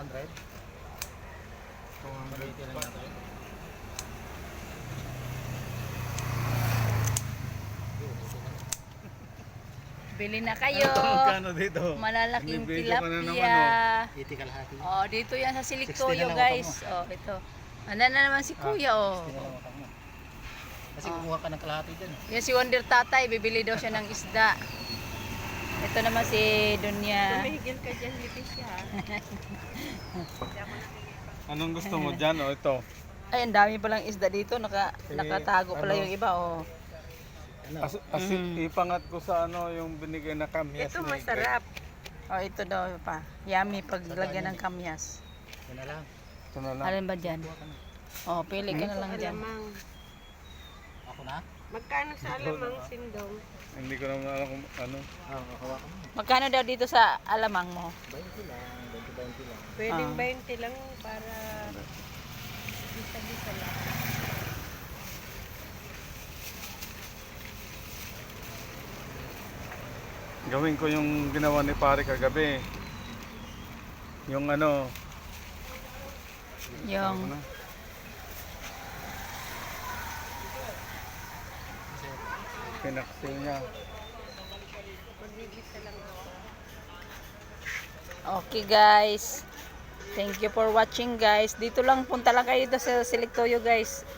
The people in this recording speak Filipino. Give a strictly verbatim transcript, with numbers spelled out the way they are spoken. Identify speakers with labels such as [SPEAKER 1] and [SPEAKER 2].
[SPEAKER 1] hundred.
[SPEAKER 2] two hundred.
[SPEAKER 1] Dito lang natin.
[SPEAKER 3] Bili na kayo.
[SPEAKER 2] Ano magkano dito?
[SPEAKER 3] Malalaking
[SPEAKER 2] Binibigyan ko na naman,
[SPEAKER 3] tilapia.
[SPEAKER 1] eighty kalahati.
[SPEAKER 3] Oh, dito yan sa
[SPEAKER 1] sixty
[SPEAKER 3] Siliktoyo,
[SPEAKER 1] na lang
[SPEAKER 3] guys.
[SPEAKER 1] utang
[SPEAKER 3] Oh, ito. Ano na naman si Kuya, oh.
[SPEAKER 1] sixty na lang utang mo. Kasi kukuha ka ng kalahati dyan. eh.
[SPEAKER 3] Yan si Wonder Tatay, bibili daw siya ng isda. Ito naman si Dunya.
[SPEAKER 4] Tumigil ka dyan, Leticia.
[SPEAKER 2] Anong gusto mo dyan o ito?
[SPEAKER 3] Ay, ang dami palang isda dito. Naka,
[SPEAKER 2] Eh,
[SPEAKER 3] nakatago pala
[SPEAKER 2] ano?
[SPEAKER 3] yung iba, oh.
[SPEAKER 1] Ano?
[SPEAKER 2] As, asi,
[SPEAKER 3] Mm.
[SPEAKER 2] ipangat ko sa ano yung binigay na kamyas.
[SPEAKER 4] Ito
[SPEAKER 2] ni
[SPEAKER 4] masarap.
[SPEAKER 3] Oh, ito daw pa. Yummy pag lagyan ng kamyas.
[SPEAKER 1] Yan na lang.
[SPEAKER 2] Greg. Ito na lang.
[SPEAKER 3] Alin ba dyan?
[SPEAKER 1] Kuha ka na.
[SPEAKER 3] Oh, pili ka na lang dyan.
[SPEAKER 4] Alamang.
[SPEAKER 1] Ako na?
[SPEAKER 4] Magkano sa alamang sindong?
[SPEAKER 2] Hindi ko naman alam kung ano.
[SPEAKER 1] Oo, oh, kukuha ka na.
[SPEAKER 3] Magkano daw dito sa alamang mo?
[SPEAKER 1] twenty lang. twenty, twenty lang.
[SPEAKER 4] Pwedeng
[SPEAKER 3] Ah.
[SPEAKER 4] twenty lang para bisa-bisa lang.
[SPEAKER 2] Gawin ko yung ginawa ni pare kagabi. Yung ano.
[SPEAKER 3] Yung
[SPEAKER 2] ano, pinaksil niya.
[SPEAKER 4] Magbibisa lang ako.
[SPEAKER 3] okay, guys. Thank you for watching, guys. Dito lang, punta lang kayo dito sa Siliktoyo, guys.